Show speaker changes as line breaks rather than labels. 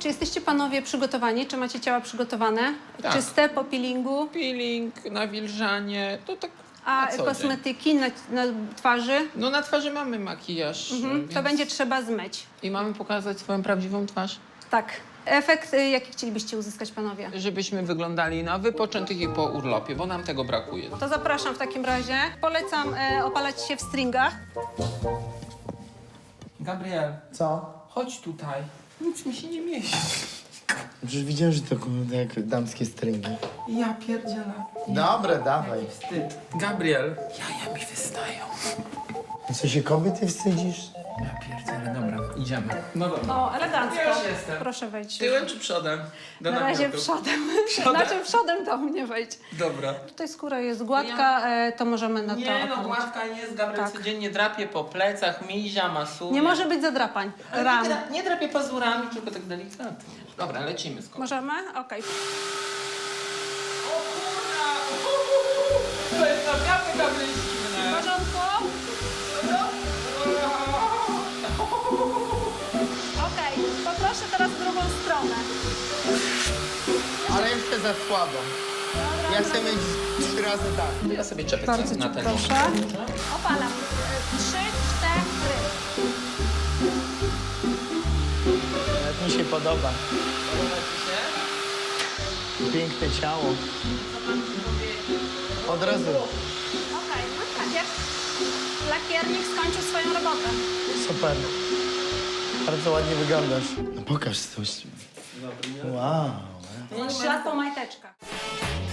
Czy jesteście panowie przygotowani? Czy macie ciała przygotowane?
Tak.
Czyste po peelingu?
Peeling, nawilżanie, to tak
A
na co dzień.
kosmetyki na twarzy?
No na twarzy mamy makijaż, więc...
To będzie trzeba zmyć.
I mamy pokazać swoją prawdziwą twarz,
Tak. Efekt, jaki chcielibyście uzyskać, panowie?
żebyśmy wyglądali na wypoczętych i po urlopie, bo nam tego brakuje.
To zapraszam w takim razie. Polecam opalać się w stringach.
Gabriel,
Co?
chodź tutaj. Nic mi się nie mieści.
Przecież widziałem, że to kurde jak damskie stringi.
Ja pierdzielę.
Dobra, dawaj.
Wstyd. Gabriel, jaja mi wystają.
Co się kobiety wstydzisz?
Ja pierdzielę, dobra, idziemy. No dobra.
O, elegancko.
Ja już jestem.
Proszę wejść.
Tyłem czy przodem? Do
Na razie
namiotu.
przodem.
Przodem?
Znaczy przodem do mnie wejdź.
Dobra.
Tutaj skóra jest gładka, to możemy na to
Nie no,
opalić.
gładka nie jest, Gabriel
Tak.
codziennie drapie po plecach, mizia, masuje.
Nie może być zadrapań. Ran.
Nie drapie pazurami, tylko tak delikatnie. Dobra, lecimy z kolei.
Możemy? Okej.
O kurna! To jest naprawdę Gabriel
W
zimne.
porządku? Okej. Poproszę teraz drugą stronę.
Ale jeszcze za słabo. Ja chcę mieć 3 razy tak.
To ja sobie czepię
Bardzo
na
cię
ten
proszę.
moment.
Opalam. 3, 4.
Jak mi się podoba.
Podoba ci się?
Piękne ciało. Od razu.
Okej, no tak jak lakiernik skończył swoją robotę.
Super. Bardzo ładnie wyglądasz. No pokaż coś. Wow.
3 lat po majteczkach.